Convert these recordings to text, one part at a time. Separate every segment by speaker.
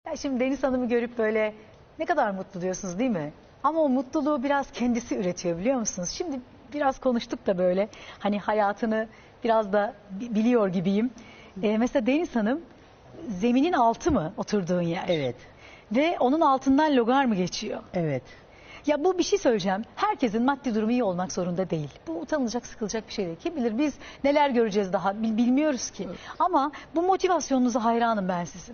Speaker 1: Ya şimdi Deniz Hanım'ı görüp böyle ne kadar mutlu diyorsunuz değil mi? Ama o mutluluğu biraz kendisi üretiyor biliyor musunuz? Şimdi biraz konuştuk da böyle hani hayatını biraz da biliyor gibiyim. Mesela Deniz Hanım zeminin altı mı oturduğun yer?
Speaker 2: Evet,
Speaker 1: Ve onun altından logar mı geçiyor?
Speaker 2: evet.
Speaker 1: Ya bu bir şey söyleyeceğim. Herkesin maddi durumu iyi olmak zorunda değil. Bu utanılacak, sıkılacak bir şey değil. Kim bilir biz neler göreceğiz daha bilmiyoruz ki. Evet. Ama bu motivasyonunuza hayranım ben sizin.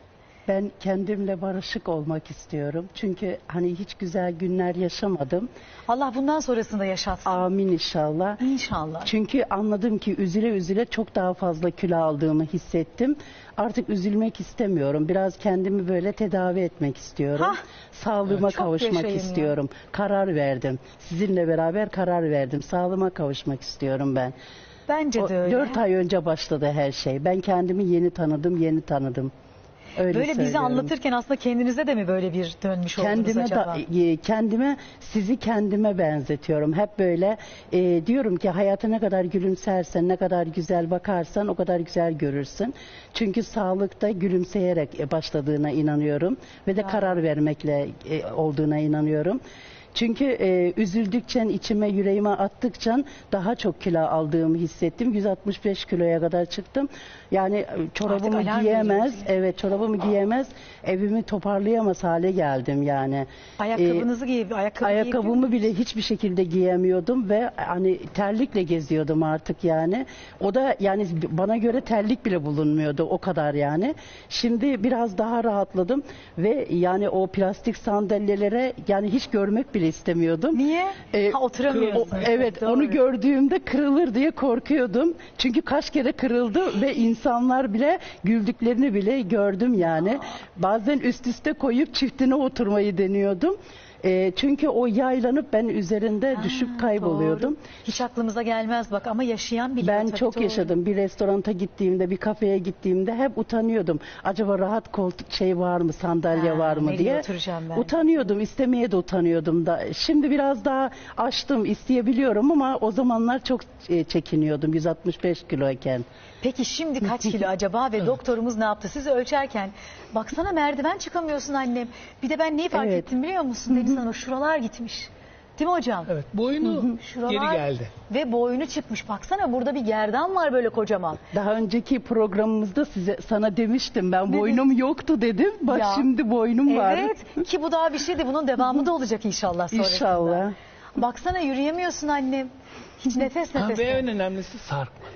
Speaker 2: Ben kendimle barışık olmak istiyorum. Çünkü hani hiç güzel günler yaşamadım.
Speaker 1: Allah bundan sonrasında yaşatsın.
Speaker 2: Amin inşallah.
Speaker 1: İnşallah.
Speaker 2: Çünkü anladım ki üzüle üzüle çok daha fazla kilo aldığımı hissettim. Artık üzülmek istemiyorum. Biraz kendimi böyle tedavi etmek istiyorum.
Speaker 1: Hah,
Speaker 2: Sağlığıma
Speaker 1: evet,
Speaker 2: kavuşmak istiyorum. Ya. Karar verdim. Sizinle beraber karar verdim. Sağlığıma kavuşmak istiyorum ben.
Speaker 1: Bence de öyle.
Speaker 2: 4 ay önce başladı her şey. Ben kendimi yeni tanıdım. Öyle
Speaker 1: böyle bizi
Speaker 2: söylüyorum.
Speaker 1: anlatırken aslında kendinize de mi böyle bir dönmüş oldunuz acaba?
Speaker 2: Kendime, sizi kendime benzetiyorum. Hep böyle diyorum ki hayata ne kadar gülümsersen, ne kadar güzel bakarsan o kadar güzel görürsün. Çünkü sağlıkta gülümseyerek başladığına inanıyorum. Ve de karar vermekle olduğuna inanıyorum. Çünkü üzüldükçe içime yüreğime attıkça daha çok kilo aldığımı hissettim. 165 kiloya kadar çıktım. Yani çorabımı giyemez, evet çorabımı giyemez, evimi toparlayamaz hale geldim yani.
Speaker 1: Ayakkabınızı
Speaker 2: ayakkabımı bile hiçbir şekilde giyemiyordum ve hani terlikle geziyordum artık yani. O da yani bana göre terlik bile bulunmuyordu o kadar yani. Şimdi biraz daha rahatladım ve yani o plastik sandalyelere yani hiç görmek bile istemiyordum.
Speaker 1: Niye? Oturamıyorsunuz.
Speaker 2: Evet,
Speaker 1: doğru.
Speaker 2: onu gördüğümde kırılır diye korkuyordum. Çünkü kaç kere kırıldı ve insanlar bile güldüklerini bile gördüm yani. Bazen üst üste koyup çiftine oturmayı deniyordum. Çünkü o yaylanıp ben üzerinde düşüp kayboluyordum.
Speaker 1: Doğru. Hiç aklımıza gelmez bak ama yaşayan biliyor.
Speaker 2: Ben çok
Speaker 1: doğru.
Speaker 2: yaşadım. Bir restoranta gittiğimde, bir kafeye gittiğimde hep utanıyordum. Acaba rahat koltuk var mı, sandalye var mı diye.
Speaker 1: Ben?
Speaker 2: Utanıyordum, istemeye de utanıyordum da. Şimdi biraz daha açtım, isteyebiliyorum ama o zamanlar çok çekiniyordum 165 kiloyken.
Speaker 1: Peki şimdi kaç kilo acaba ve doktorumuz ne yaptı? Sizi ölçerken baksana merdiven çıkamıyorsun annem. Bir de ben neyi fark ettim biliyor musun Deniz Hanım? Şuralar gitmiş. Değil mi hocam?
Speaker 3: Evet, boynu geri geldi.
Speaker 1: Ve boynu çıkmış. Baksana burada bir gerdan var böyle kocaman.
Speaker 2: Daha önceki programımızda sana demiştim ben boynum yoktu dedim. Bak şimdi boynum var.
Speaker 1: Evet ki bu daha bir şeydi. Bunun devamı da olacak inşallah sonrasında.
Speaker 2: İnşallah.
Speaker 1: Baksana yürüyemiyorsun annem. Hiç nefes.
Speaker 3: Ve en önemlisi sarkmadı.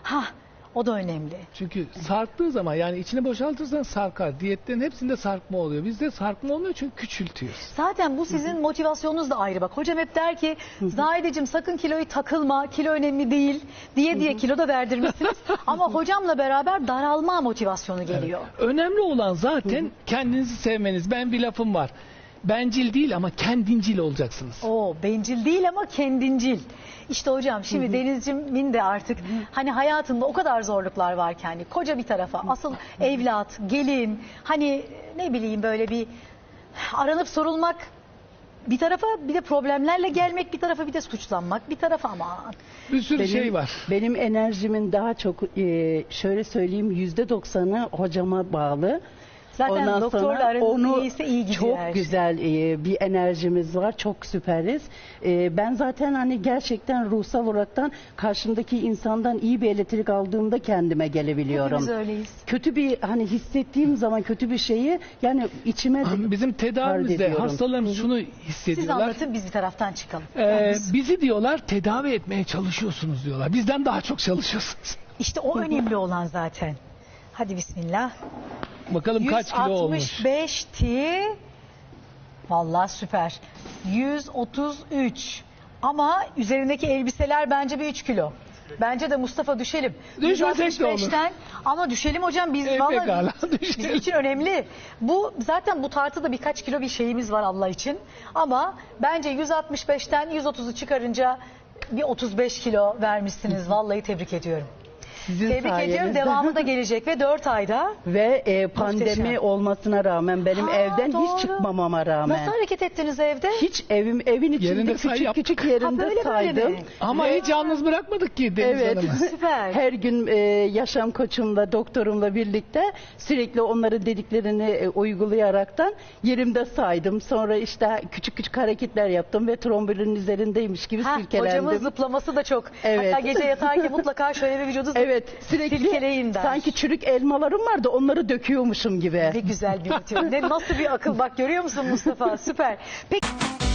Speaker 1: O da önemli.
Speaker 3: Çünkü sarktığı zaman yani içine boşaltırsan sarkar. Diyetlerin hepsinde sarkma oluyor. Bizde sarkma olmuyor çünkü küçültüyoruz.
Speaker 1: Zaten bu sizin motivasyonunuz da ayrı bak. Hocam hep der ki Zahideciğim sakın kiloyu takılma, kilo önemli değil diye kilo da verdirmişsiniz. Ama hocamla beraber daralma motivasyonu geliyor.
Speaker 3: Evet. Önemli olan zaten kendinizi sevmeniz. Ben bir lafım var. Bencil değil ama kendincil olacaksınız.
Speaker 1: Bencil değil ama kendincil. İşte hocam şimdi Denizciğimin de artık hani hayatında o kadar zorluklar var ki hani koca bir tarafa asıl evlat, gelin hani ne bileyim böyle bir aranıp sorulmak bir tarafa bir de problemlerle gelmek bir tarafa bir de suçlanmak bir tarafa aman.
Speaker 3: Bir sürü şey var.
Speaker 2: Benim enerjimin daha çok şöyle söyleyeyim %90'ı hocama bağlı.
Speaker 1: Zaten
Speaker 2: ondan
Speaker 1: doktorla aranız iyiyse iyi gidiyor
Speaker 2: çok
Speaker 1: her şey.
Speaker 2: güzel bir enerjimiz var. Çok süperiz. Ben zaten hani gerçekten ruhsal olaraktan karşımdaki insandan iyi bir elektrik aldığımda kendime gelebiliyorum.
Speaker 1: Hepimiz öyleyiz.
Speaker 2: Kötü bir hani hissettiğim zaman kötü bir şeyi yani içime
Speaker 3: bizim tedavimizde hastalarımız şunu hissediyorlar.
Speaker 1: Siz anlatın biz bir taraftan çıkalım.
Speaker 3: Bizi diyorlar tedavi etmeye çalışıyorsunuz diyorlar. Bizden daha çok çalışıyorsunuz.
Speaker 1: İşte o önemli olan zaten. Hadi bismillah.
Speaker 3: Bakalım kaç kilo olmuş.
Speaker 1: 165'ti. Vallahi süper. 133. Ama üzerindeki elbiseler bence bir 3 kilo. Bence de Mustafa düşelim.
Speaker 3: Düşmesek de olur.
Speaker 1: Ama düşelim hocam biz vallahi bizim için önemli. Bu zaten bu tartıda birkaç kilo bir şeyimiz var Allah için. Ama bence 165'ten 130'u çıkarınca bir 35 kilo vermişsiniz. Vallahi tebrik ediyorum.
Speaker 2: Sizin
Speaker 1: Tebrik ediyorum.
Speaker 2: sayenizde.
Speaker 1: Devamı da gelecek ve 4 ayda.
Speaker 2: Ve pandemi
Speaker 1: Muhteşem.
Speaker 2: olmasına rağmen benim
Speaker 1: Ha,
Speaker 2: evden
Speaker 1: doğru.
Speaker 2: hiç çıkmamama rağmen.
Speaker 1: Nasıl hareket ettiniz evde?
Speaker 2: Hiç evin içinde
Speaker 3: Yerinde say
Speaker 2: küçük
Speaker 3: yaptık.
Speaker 2: küçük
Speaker 1: Ha,
Speaker 2: yerinde
Speaker 1: böyle
Speaker 2: saydım.
Speaker 1: mi?
Speaker 3: Ama hiç yalnız bırakmadık ki Deniz
Speaker 2: Evet.
Speaker 3: Hanım'ı.
Speaker 1: Süper.
Speaker 2: Her gün yaşam koçumla, doktorumla birlikte sürekli onların dediklerini uygulayaraktan yerimde saydım. Sonra işte küçük küçük hareketler yaptım ve trombolinin üzerindeymiş gibi
Speaker 1: Ha,
Speaker 2: silkelendim.
Speaker 1: hocamın zıplaması da çok.
Speaker 2: Evet.
Speaker 1: Hatta gece yatarken mutlaka şöyle bir vücudu
Speaker 2: Evet, sürekli
Speaker 1: silkeleyin der.
Speaker 2: sanki çürük elmalarım vardı, onları döküyormuşum gibi.
Speaker 1: Ne güzel bir rutin. Nasıl bir akıl bak, görüyor musun Mustafa? Süper. Peki.